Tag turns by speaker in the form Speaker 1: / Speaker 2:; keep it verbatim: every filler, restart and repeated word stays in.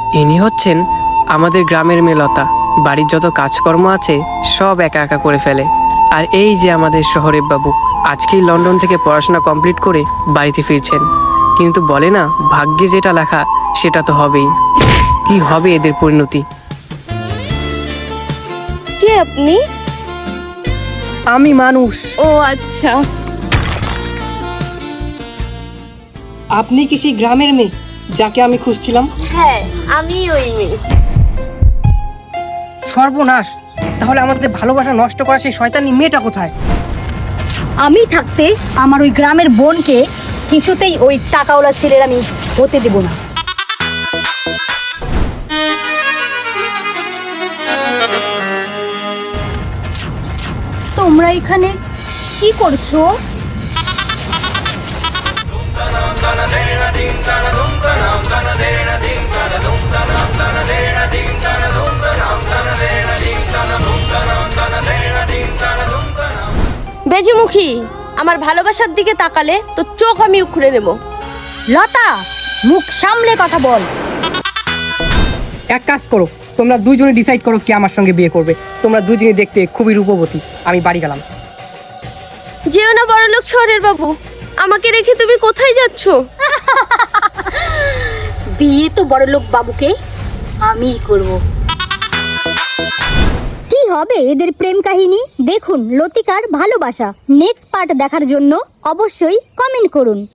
Speaker 1: ইনি হচ্ছেন আমাদের গ্রামের মেয়ে লতা। বাড়ির যত কাজকর্ম আছে সব একা একা করে ফেলে। আর এই যে আমাদের শহরের বাবু, আজকেই লন্ডন থেকে পড়াশোনা কমপ্লিট করে বাড়িতে ফিরছেন। কিন্তু বলে না, ভাগ্যে যেটা লেখা সেটা তো হবেই। কি হবে এদের পরিণতি?
Speaker 2: কে আপনি?
Speaker 1: আমি মানুষ।
Speaker 2: ও আচ্ছা।
Speaker 1: আপনি কি সেই গ্রামের মেয়ে যাকে আমি খুঁজছিলাম?
Speaker 2: হ্যাঁ, আমি ওই মেয়ে।
Speaker 1: সর্বনাশ! তাহলে আমাদের ভালোবাসা নষ্ট করা সেই শয়তানি মেয়েটা কোথায়?
Speaker 3: আমি থাকতে আমার ওই গ্রামের বোনকে কিছুতেই ওই টাকাওয়ালা ছেলের আমি হতে দেব না। তোমরা এখানে কি করছো?
Speaker 2: বেজমুখী, আমার ভালোবাসার দিকে তাকালে তো চোখ আমি উখড়ে নেব।
Speaker 3: লতা, মুখ সামলে কথা বল।
Speaker 1: এক কাজ করো, তোমরা দুজনে ডিসাইড করো কে আমার সঙ্গে বিয়ে করবে। তোমরা দুজনে দেখতে খুবই রূপবতী। আমি বাড়ি গেলাম।
Speaker 2: যেও না বড়লোক শহরের বাবু, আমাকে রেখে তুমি কোথায় যাচ্ছ?
Speaker 3: বিয়ে তো বড়লোক বাবুকে আমিই করব। কি হবে এদের প্রেম কাহিনী? দেখুন লতিকার ভালোবাসা নেক্সট পার্ট দেখার জন্য অবশ্যই কমেন্ট করুন।